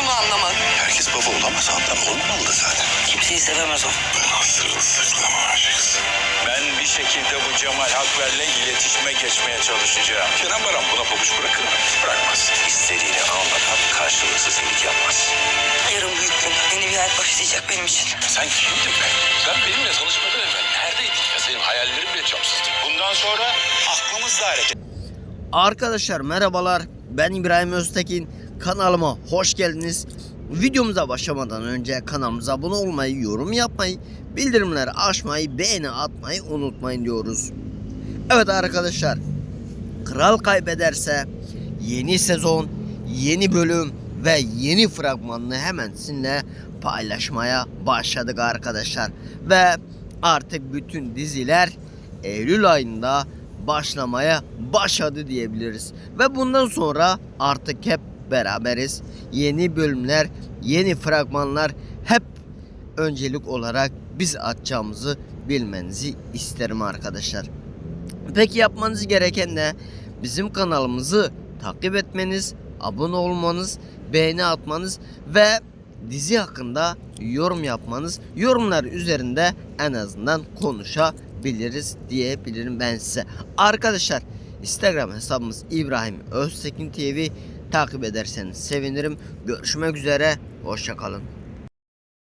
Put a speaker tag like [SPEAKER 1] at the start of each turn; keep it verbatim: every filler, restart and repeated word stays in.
[SPEAKER 1] bunu anlamadım.
[SPEAKER 2] Herkes baba olamaz ablam, olmamalı zaten.
[SPEAKER 1] Kimseyi sevemez o.
[SPEAKER 2] Ben sırılsıklam aşıksın.
[SPEAKER 3] Ben bir şekilde bu Cemal Hakver'le iletişime geçmeye çalışacağım.
[SPEAKER 2] Kenan Baran buna pabuç bırakır mı? Bırakmaz. İstediğini almadan karşılıksız iyilik yapmaz.
[SPEAKER 1] Yarın büyük gün. Yeni bir hayat başlayacak benim için.
[SPEAKER 2] Sen kimdin be? Sen benimle tanışmadan evvel neredeydin ya? Senin hayallerin bile çapsızdı.
[SPEAKER 3] Bundan sonra aklımızla hareket.
[SPEAKER 4] Arkadaşlar merhabalar, ben İbrahim Öztekin, kanalıma hoş geldiniz. Videomuza başlamadan önce kanalımıza abone olmayı, yorum yapmayı, bildirimleri açmayı, beğeni atmayı unutmayın diyoruz. Evet arkadaşlar, Kral kaybederse yeni sezon, yeni bölüm ve yeni fragmanını hemen sizinle paylaşmaya başladık arkadaşlar. Ve artık bütün diziler Eylül ayında başlamaya başladı diyebiliriz. Ve bundan sonra artık hep beraberiz. Yeni bölümler, yeni fragmanlar hep öncelik olarak biz atacağımızı bilmenizi isterim arkadaşlar. Peki yapmanız gereken ne? Bizim kanalımızı takip etmeniz, abone olmanız, beğeni atmanız ve dizi hakkında yorum yapmanız. Yorumlar üzerinde en azından konuşabiliriz diyebilirim ben size. Arkadaşlar, Instagram hesabımız İbrahim Öztekin T V, takip ederseniz sevinirim. Görüşmek üzere, hoşça kalın.